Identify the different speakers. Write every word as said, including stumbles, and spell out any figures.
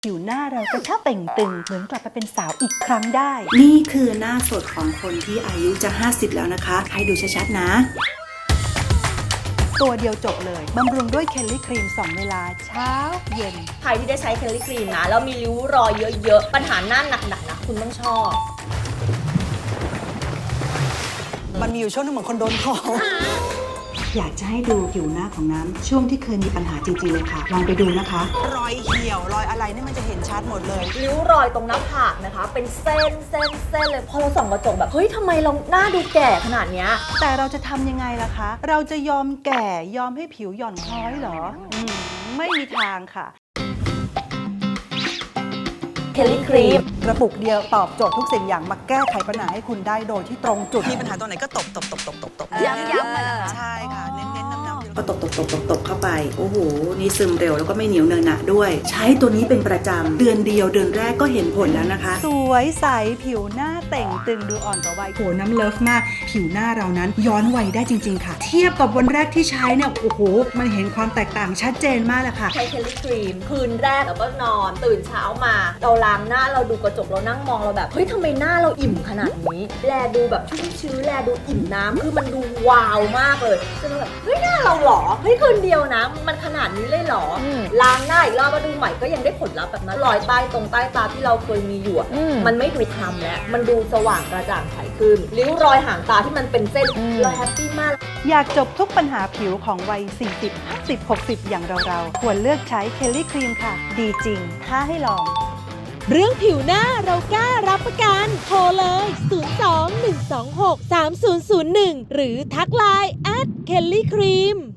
Speaker 1: ผิวหน้าเรากระชับเต่งตึงเหมือนกลับไปเป็นสาวอีกครั้งได้
Speaker 2: นี่คือหน้าสดของคนที่อายุจะห้าสิบแล้วนะคะให้ดูชัดๆนะ
Speaker 1: ตัวเดียวจบเลยบำรุงด้วยเคลลี่ครีมสองเวลาเช้าเย็น
Speaker 3: ใครที่ได้ใช้เคลลี่ครีมนะแล้วมีริ้วรอยเยอะๆปัญหาหน้าหนักๆนะคุณต้องชอบ
Speaker 4: มันมีอยู่ช่วงนึงเหมือนคนโดนของ
Speaker 2: อยากจะให้ดูผิวหน้าของน้ำช่วงที่เคยมีปัญหาจริงๆเลยค่ะลองไปดูนะคะ
Speaker 4: รอยเหี่ยวรอยอะไรนี่มันจะเห็นชัดหมดเลย
Speaker 3: ริ้วรอยตรงหน้าผากนะคะเป็นเส้นเส้นเส้นเลยพอเราส่องกระจกแบบเฮ้ยทำไมเราหน้าดูแก่ขนาดเนี้ย
Speaker 1: แต่เราจะทำยังไงล่ะคะเราจะยอมแก่ยอมให้ผิวหย่อนคล้อยเหรออืมไม่มีทางค่ะ
Speaker 3: เคลลี่ครีม
Speaker 1: กระปุกเดียวตอบโจทย์ทุกสิ่งอย่างมาแก้ไขปัญหาให้คุณได้โดยที่ตรงจุด
Speaker 4: มีปัญหาตรงไหนก็ตบตบตบตบตบตบ
Speaker 3: ย้ำย้ำมา
Speaker 4: ใช่ค่ะเน้นเน้นน้ำน้ำ
Speaker 2: พอตบตบตบตบตบเข้าไปโอ้โหนี่ซึมเร็วแล้วก็ไม่เหนียวเนอะหนะด้วยใช้ตัวนี้เป็นประจำเดือนเดียวเดือนแรกก็เห็นผลแล้วนะคะ
Speaker 1: สวยใสผิวหน้าเต่งตึงดูอ่อนกว่าวัย
Speaker 2: โหน้ำเลิฟมากผิวหน้าเรานั้นย้อนวัยได้จริงๆค่ะเทียบกับวันแรกที่ใช้เนี่ยโอ้โหมันเห็นความแตกต่างชัดเจนมากเลยค่ะ
Speaker 3: ใช้เคลลี่ครีมคืนแรกแล้วก็นอนตื่นเช้ามาเราล้างหน้าเราดูกระจกเรานั่งมองเราแบบเฮ้ยทำไมหน้าเราอิ่มขนาดนี้แลดูแบบชุ่มชื้นแลดูอิ่มน้ำคือมันดูวาวมากเลยจนแบบเฮ้ยหน้าเราหรอเฮ้ยคืนเดียวนะมันขนาดนี้เลยหรอล้างหน้าอีกรอบมาดูใหม่ก็ยังได้ผลลัพธ์แบบนั้นรอยใต้ตรงใต้ตาที่เราเคยมีอยู่มันไม่ดูคล้ำแล้วมันดูสว่างกระจ่างใสขึ้นริ้วรอยห่างตาที่มันเป็นเส้นเราแฮปปี้มาก
Speaker 1: อยากจบทุกปัญหาผิวของวัยสี่สิบ ห้าสิบ หกสิบอย่างเราๆควรเลือกใช้เคลลี่ครีมค่ะดีจริงท้าให้ลอง
Speaker 5: เรื่องผิวหน้าเรากล้ารับประกันโทรเลย ศูนย์ สอง หนึ่ง สอง หก สาม ศูนย์ ศูนย์ หนึ่ง หรือทักไลน์ แอท เคลลี่ครีม